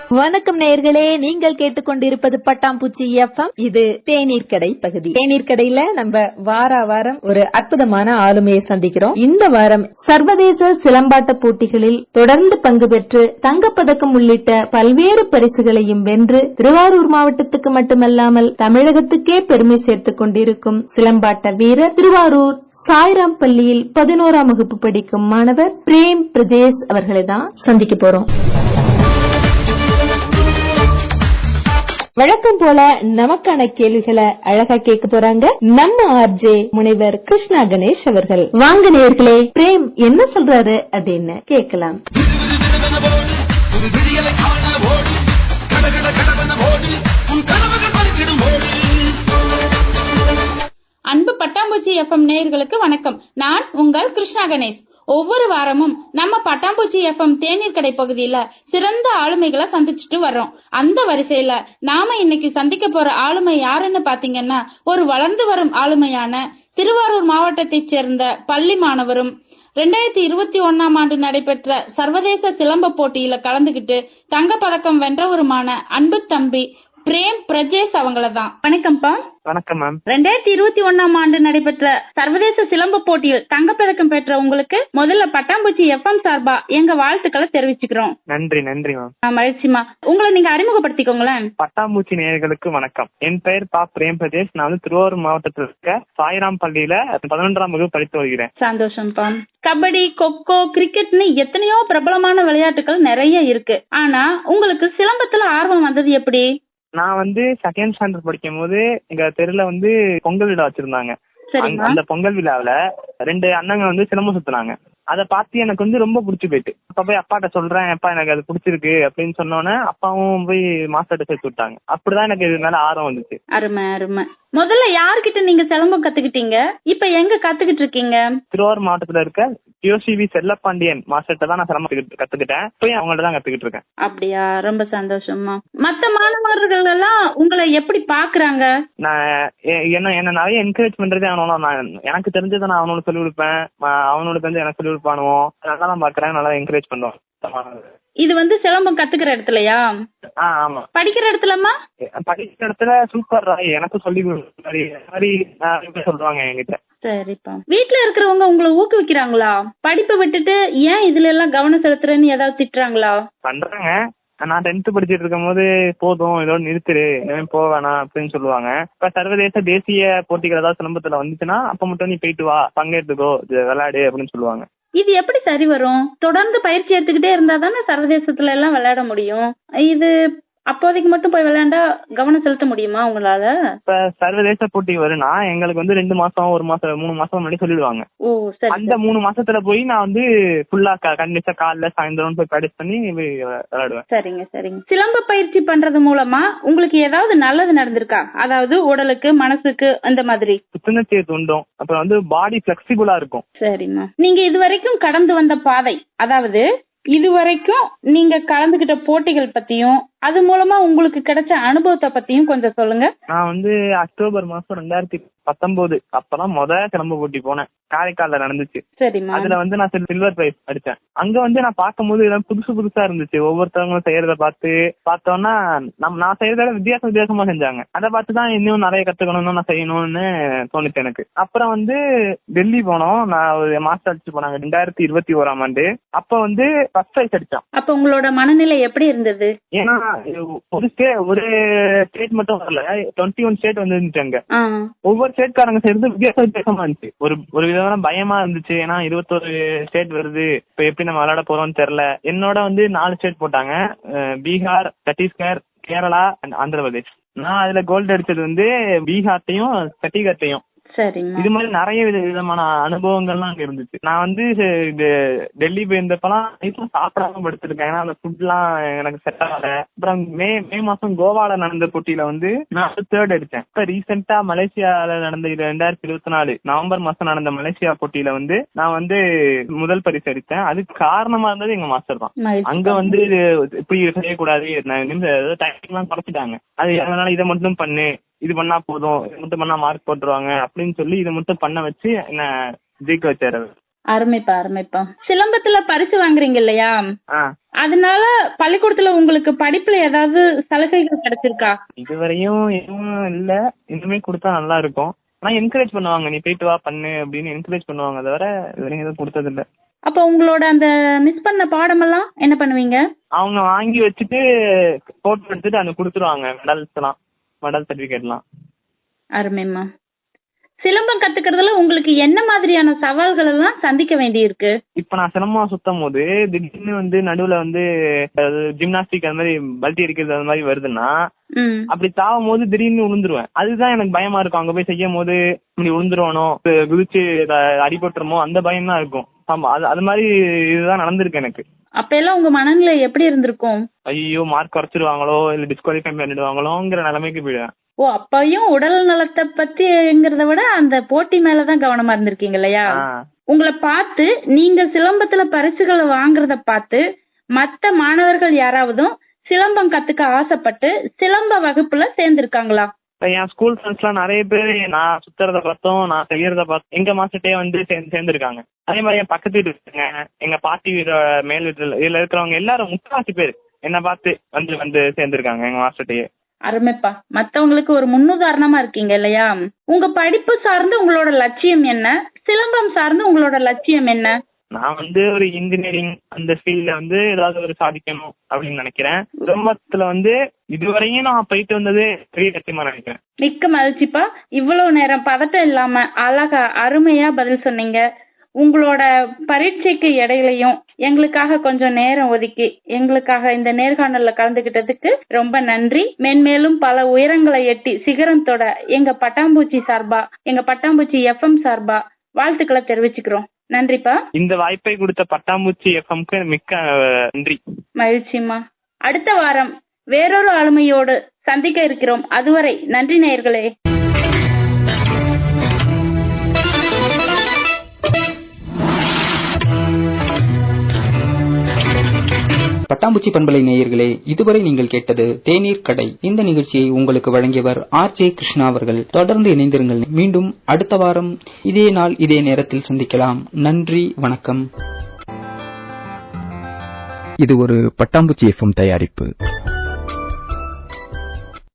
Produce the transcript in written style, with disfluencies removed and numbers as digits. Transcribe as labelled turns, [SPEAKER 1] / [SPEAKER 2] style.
[SPEAKER 1] வணக்கம் நேயர்களே, நீங்கள் கேட்டுக்கொண்டிருப்பது பட்டாம்பூச்சி எஃப்எம். இது தேநீர் கடை பகுதி. தேநீர் கடையில நம்ம வாரம் ஒரு அற்புதமான ஆளுமையை சந்திக்கிறோம். இந்த வாரம் சர்வதேச சிலம்பாட்ட போட்டிகளில் தொடர்ந்து பங்கு பெற்று தங்கப்பதக்கம் உள்ளிட்ட பல்வேறு பரிசுகளையும் வென்று திருவாரூர் மாவட்டத்துக்கு மட்டுமல்லாமல் தமிழகத்துக்கே பெருமை சேர்த்துக் கொண்டிருக்கும் சிலம்பாட்ட வீரர், திருவாரூர் சாய்ராம் பள்ளியில் 11ஆம் வகுப்பு படிக்கும் மாணவர் பிரேம் பிரஜேஷ் அவர்களை தான் சந்திக்க போறோம். வழக்கம் போல நமக்கான கேள்விகளை அழகா கேட்க போறாங்க நம்ம ஆர்ஜே முனைவர் கிருஷ்ணா கணேஷ் அவர்கள். வாங்க நேயர்களே, பிரேம் என்ன சொல்றாரு அப்படின்னு கேட்கலாம்.
[SPEAKER 2] அன்பு பட்டாம்பூச்சி எஃப்எம் நேயர்களுக்கு வணக்கம். நான் உங்கள் கிருஷ்ணா கணேஷ். ஒவ்வொரு வாரமும் நம்ம பட்டாம்பூச்சி எஃப்எம் தேநீர் கடை பகுதியில சிறந்த ஆளுமைகளை சந்திச்சுட்டு வர்றோம். அந்த வரிசையில நாம இன்னைக்கு சந்திக்க போற ஆளுமை யாருன்னு பாத்தீங்கன்னா, ஒரு வளர்ந்து வரும் ஆளுமையான திருவாரூர் மாவட்டத்தைச் சேர்ந்த பள்ளி மாணவரும் 2021ஆம் ஆண்டு நடைபெற்ற சர்வதேச சிலம்ப போட்டியில கலந்துகிட்டு தங்கப்பதக்கம் வென்றவருமான அன்பு தம்பி பிரேம் பிரஜேஷ் அவங்களதான். வணக்கம்ப்பா.
[SPEAKER 3] வணக்கம் மேம்.
[SPEAKER 2] 2021ஆம் ஆண்டு நடைபெற்ற சர்வதேச சிலம்ப போட்டியில் தங்கப்பதக்கம் பெற்ற உங்களுக்கு முதல்ல பட்டாம்பூச்சி எஃப்எம் சார்பா எங்க வாழ்த்துக்களை தெரிவிச்சுக்கிறோம்.
[SPEAKER 3] நன்றி நன்றி மேம்.
[SPEAKER 2] மகிழ்ச்சிமா. உங்களை நீங்க அறிமுகப்படுத்திக்கோங்களேன்.
[SPEAKER 3] பட்டாம்பூச்சி நேயர்களுக்கு வணக்கம். என் பெயர் பிரேம் பிரஜேஷ். நான் வந்து திருவாரூர் மாவட்டத்தில் இருக்க சாய்ராம் பள்ளியில 11ஆம் வகுப்பு படித்து வருகிறேன்.
[SPEAKER 2] சந்தோஷம்ப்பா. கபடி, கொக்கோ, கிரிக்கெட்னு எத்தனையோ பிரபலமான விளையாட்டுகள் நிறைய இருக்கு. ஆனா உங்களுக்கு சிலம்பத்துல ஆர்வம் வந்தது எப்படி?
[SPEAKER 3] நான் வந்து செகண்ட் ஸ்டாண்டர்ட் படிக்கும் போது எங்க தெருல வந்து பொங்கல் விழா வச்சிருந்தாங்க. அந்த பொங்கல் விழாவில 2 அண்ணங்க வந்து சிலம்பம் சுத்தினாங்க. அதை பார்த்து எனக்கு வந்து ரொம்ப பிடிச்சி போயிட்டு, அப்ப போய் அப்பாட்ட சொல்றேன், அப்பா எனக்கு அது பிடிச்சிருக்கு அப்படின்னு சொன்னோன்னே அப்பாவும் போய் மாஸ்டர்ட்ட சேர்த்து விட்டாங்க. அப்படிதான் எனக்கு இது மேல ஆர்வம் வந்துச்சு.
[SPEAKER 2] அருமை அருமை. முதல்ல யார்கிட்ட நீங்க சிலம்பம் கத்துக்கிட்டீங்க? இப்ப எங்க கத்துக்கிட்டு இருக்கீங்க?
[SPEAKER 3] திருவாரூர் மாவட்டத்துல இருக்க யோசிவி செல்லப்பாண்டியன் மாஸ்டர்ட்ட தான் நான் சிலம்பம் கத்துக்கிட்டேன். போய் அவங்கள்ட்ட தான் கத்துக்கிட்டு இருக்கேன்.
[SPEAKER 2] அப்படியா, ரொம்ப சந்தோஷமா. மத்த மாணவர்கள் எல்லாம் உங்களை எப்படி பாக்குறாங்க?
[SPEAKER 3] நான் என்ன நிறைய என்கரேஜ் பண்றதே அவனோட, நான் எனக்கு தெரிஞ்சதை நான் அவனோட சொல்லி கொடுப்பேன், அவனோட தெரிஞ்சு எனக்கு சொல்லி கொடுப்பானுவோம். நல்லா தான் பாக்குறேன், நல்லா என்கரேஜ் பண்ணுவோம்.
[SPEAKER 2] இது வந்து சிலம்பம் கத்துக்கிற இடத்துலயா?
[SPEAKER 3] ஆமா.
[SPEAKER 2] படிக்கிற இடத்துலமா?
[SPEAKER 3] படிக்கிற இடத்துல சூப்பர் ராய் எனக்கு சொல்லி சொல்றாங்க என்கிட்ட.
[SPEAKER 2] சரிப்பா. வீட்டுல இருக்கிறவங்க உங்களை ஊக்குவிக்கிறாங்களா? படிப்பை விட்டுட்டு ஏன் இதுல எல்லாம் கவனம் செலுத்துறேன்னு ஏதாவது திட்டுறாங்களா?
[SPEAKER 3] பண்றாங்க. நான் 10th படிச்சிட்டு இருக்கும் போது போதும் இதோட நிறுத்துரு, இனிமே போவேணா அப்படின்னு சொல்லுவாங்க. இப்ப சர்வதேச தேசிய போட்டிகள் ஏதாவது சிலம்பத்துல வந்துச்சுன்னா அப்ப மட்டும் நீ போயிட்டு வா, பங்கெடுத்துக்கோ, விளையாடு அப்படின்னு சொல்லுவாங்க.
[SPEAKER 2] இது எப்படி சரி வரும்? தொடர்ந்து பயிற்சி எடுத்துக்கிட்டே இருந்தா தானே சர்வதேசத்துல எல்லாம் விளையாட முடியும். இது அப்போதைக்கு மட்டும் போய் விளையாண்டா கவனம் செலுத்த முடியுமா உங்களால?
[SPEAKER 3] இப்ப சர்வதேச போட்டி வரும்னா எங்களுக்கு வந்து 2 மாசம் 1 மாசம் 3 மாசம் முன்னாடி சொல்லிடுவாங்க. அந்த 3 மாசத்துல போய் நான் வந்து ஃபுல்லா கண்டிப்பா காலைல சாயந்தரம் போய் ப்ராக்டிஸ் பண்ணி விளையாடுவேன்.
[SPEAKER 2] சரிங்க சரிங்க. சிலம்ப பயிற்சி பண்றது மூலமா உங்களுக்கு ஏதாவது நல்லது நடந்திருக்கா? அதாவது உடலுக்கு, மனசுக்கு, அந்த மாதிரி?
[SPEAKER 3] புத்துணர்ச்சியை தூண்டும். அப்புறம் வந்து பாடி பிளெக்சிபிளா இருக்கும்.
[SPEAKER 2] சரிம்மா. நீங்க இதுவரைக்கும் கடந்து வந்த பாதை, அதாவது இதுவரைக்கும் நீங்க கலந்துகிட்ட போட்டிகள் பத்தியும் அது மூலமா உங்களுக்கு கிடைச்ச அனுபவத்தை பத்தியும் கொஞ்சம் சொல்லுங்க.
[SPEAKER 3] நான் வந்து அக்டோபர் மாசம் 2019 அப்பதான் சிலம்ப போட்டி போனேன். காரைக்கால்ல நடந்துச்சு.
[SPEAKER 2] சரிம்மா.
[SPEAKER 3] அதுல வந்து நான் சில்வர் பிரைஸ் அடிச்சேன். அங்க வந்து நான் பார்க்கும்போது இதெல்லாம் புதுசா இருந்துச்சு. ஒவ்வொருத்தவங்களும் செய்யறத பார்த்தோம்னா நான் செய்யறத வித்தியாசமா செஞ்சாங்க. அதை பார்த்துதான் இன்னும் நிறைய கத்துக்கணும்னு நான் செய்யணும்னு தோணுச்சு எனக்கு. அப்புறம் வந்து டெல்லி போனோம். நான் ஒரு மாஸ்டர் அடிச்சு போனாங்க 2021ஆம் ஆண்டு. அப்ப வந்து ஃபர்ஸ்ட் பிரைஸ் அடிச்சேன்.
[SPEAKER 2] அப்ப உங்களோட மனநிலை எப்படி இருந்தது?
[SPEAKER 3] ஏன்னா ஒரு ஸ்டேட் மட்டும் வரல, 21 ஸ்டேட் வந்துருந்துச்சாங்க. ஒவ்வொரு ஸ்டேட்காரங்க செய்யறது வித்தியாசமா இருந்துச்சு. ஒரு விதமான பயமா இருந்துச்சு. ஏன்னா 21 ஸ்டேட் வருது, இப்ப எப்படி நம்ம விளையாட போறோம்னு தெரியல. என்னோட வந்து 4 ஸ்டேட் போட்டாங்க, பீகார், சத்தீஸ்கர், கேரளா அண்ட் ஆந்திர பிரதேஷ். நான் அதுல கோல்டு அடிச்சது வந்து பீகார்ட்டையும் சத்தீஸ்கர்ட்டையும். இது மாதிரி நிறைய விதமான அனுபவங்கள்லாம் அங்க இருந்துச்சு. நான் வந்து டெல்லி போயிருந்தப்பெல்லாம் சாப்பிடாம படுத்திருக்கேன். ஏன்னா அந்த ஃபுட் எல்லாம் எனக்கு செட் ஆகல. அப்புறம் மே மாசம் கோவால நடந்த போட்டியில வந்து நான் 3rd அடிச்சேன். இப்ப ரீசெண்டா மலேசியால நடந்த 2024 நவம்பர் மாசம் நடந்த மலேசியா போட்டியில வந்து நான் வந்து முதல் பரிசு அடித்தேன். அதுக்கு காரணமா இருந்தது எங்க மாஸ்டர் தான். அங்க வந்து இப்படி செய்யக்கூடாது, டைம் எல்லாம் குறைச்சிட்டாங்க. அது அதனால இதை மட்டும் பண்ணு, இது பண்ணா போதும், இது மட்டும் பண்ணா மார்க் போட்டுருவாங்க அப்படின்னு சொல்லி இதை மட்டும் பண்ண வச்சு என்ன ஜெயிக்க வச்சாரு.
[SPEAKER 2] அருமைப்பா அருமைப்பா. சிலம்பத்துல பரிசு வாங்குறீங்க இல்லையா,
[SPEAKER 3] ஆ,
[SPEAKER 2] அதனால பள்ளிக்கூடத்துல உங்களுக்கு படிப்புல ஏதாவது சலுகைகள் கிடைச்சிருக்கா?
[SPEAKER 3] இதுவரையும் எதுவும் இல்ல. இனிமே கொடுத்தா நல்லா இருக்கும். ஆனா என்கரேஜ் பண்ணுவாங்க, நீ போயிட்டு வா பண்ணு அப்படின்னு என்கரேஜ் பண்ணுவாங்க, தவிர இதுவரையும் எதுவும் கொடுத்தது இல்ல.
[SPEAKER 2] அப்ப உங்களோட அந்த மிஸ் பண்ண பாடமெல்லாம் என்ன பண்ணுவீங்க?
[SPEAKER 3] அவங்க வாங்கி வச்சுட்டு போட்டோ எடுத்துட்டு அந்த கொடுத்துருவாங்க, மெடல் சர்டிபிகேட் எல்லாம்.
[SPEAKER 2] அருமைம்மா. சிலம்பம் கத்துக்கிறதுல உங்களுக்கு என்ன மாதிரியான சவால்கள் எல்லாம் சந்திக்க வேண்டி இருக்கு?
[SPEAKER 3] இப்ப நான் சிலம்பம் சுத்தும் போது திடீர்னு நடுவுல ஜிம்னாஸ்டிக் அந்த மாதிரி பல்ட்டி அடிக்கிறது அந்த மாதிரி வருதுன்னா, அப்படி தாவும் போது திடீர்னு விழுந்துருவேன். அதுதான் எனக்கு பயமா இருக்கும். அங்க போய் செய்யும் போது இப்படி விழுந்துருவானோ, குதிச்சு அடிபட்டுருமோ, அந்த பயம் தான் இருக்கும். ஆமா, அது மாதிரி இதுதான் நடந்திருக்கு எனக்கு.
[SPEAKER 2] அப்ப எல்லாம் உங்க மனநிலை எப்படி இருந்திருக்கும்?
[SPEAKER 3] ஐயோ, மார்க் குறைச்சிருவாங்களோ இல்ல டிஸ்குவாலிஃபை பண்ணிடுவாங்களோங்கிற நிலைமைக்கு போயிடுவேன்.
[SPEAKER 2] ஓ, அப்பயும் உடல் நலத்தை பத்திங்கிறத விட அந்த போட்டி மேலதான் கவனமா இருந்திருக்கீங்க இல்லையா? உங்களை பார்த்து நீங்க சிலம்பத்துல பரிசுகளை வாங்குறத பார்த்து மத்த மாணவர்கள் யாராவதும் சிலம்பம் கத்துக்க ஆசைப்பட்டு சிலம்ப வகுப்புல சேர்ந்திருக்காங்களா?
[SPEAKER 3] என் ஸ்கூல் ஃப்ரெண்ட்ஸ் எல்லாம் நிறைய பேர் நான் சுத்துறத பார்த்தோம், நான் செய்யறத பார்த்தோம் எங்க மாஸ்டர்ட்டே சேர்ந்திருக்காங்க. அதே மாதிரி என் பக்கத்து வீட்டு இருக்காங்க, எங்க பாட்டி வீடு மேல் வீட்டுல இதுல இருக்கிறவங்க எல்லாரும் முக்காவாசி பேர் என்ன பார்த்து வந்து சேர்ந்திருக்காங்க எங்க மாஸ்டர்ட்டே.
[SPEAKER 2] அருமைப்பா. மத்தவங்களுக்கு ஒரு முன்னுதாரணமா இருக்கீங்க இல்லையா? உங்க படிப்பு சார்ந்து உங்களோட லட்சியம் என்ன? சிலம்பம் சார்ந்து உங்களோட லட்சியம் என்ன?
[SPEAKER 3] நான் ஒரு இன்ஜினியரிங் அந்த ஃபீல்ட்ல ஏதாவது ஒரு சாதிக்கணும் அப்படின்னு நினைக்கிறேன். சிலம்பத்துல இதுவரையும் நான் போயிட்டு வந்தது பெரிய லட்சியமா நினைக்கிறேன்.
[SPEAKER 2] மிக்க மகிழ்ச்சிப்பா. இவ்வளவு நேரம் பதட்டம் இல்லாம அழகா அருமையா பதில் சொன்னீங்க. உங்களோட பரீட்சைக்கு இடையிலையும் எங்களுக்காக கொஞ்சம் நேரம் ஒதுக்கி எங்களுக்காக இந்த நேர்காணல்ல கலந்துகிட்டதுக்கு ரொம்ப நன்றி. மென்மேலும் பல உயரங்களை எட்டி சிகரம் தொட எங்க பட்டாம்பூச்சி சார்பா, எங்க பட்டாம்பூச்சி FM சார்பா வாழ்த்துக்களை தெரிவிச்சுக்கிறோம். நன்றிப்பா.
[SPEAKER 3] இந்த வாய்ப்பை கொடுத்த பட்டாம்பூச்சி FMக்கு மிக்க நன்றி.
[SPEAKER 2] மகிழ்ச்சிமா. அடுத்த வாரம் வேறொரு ஆளுமையோடு சந்திக்க இருக்கிறோம். அதுவரை நன்றி நேயர்களே.
[SPEAKER 4] பட்டாம்பூச்சி பண்பலை நேயர்களே, இதுவரை நீங்கள் கேட்டது தேநீர் கடை. இந்த நிகழ்ச்சியை உங்களுக்கு வழங்கியவர் RJ கிருஷ்ணா அவர்கள். தொடர்ந்து இணைந்திருங்கள். மீண்டும் அடுத்த வாரம் இதே நாள் இதே நேரத்தில் சந்திக்கலாம். நன்றி, வணக்கம்.
[SPEAKER 5] இது ஒரு பட்டாம்பூச்சி FM தயாரிப்பு.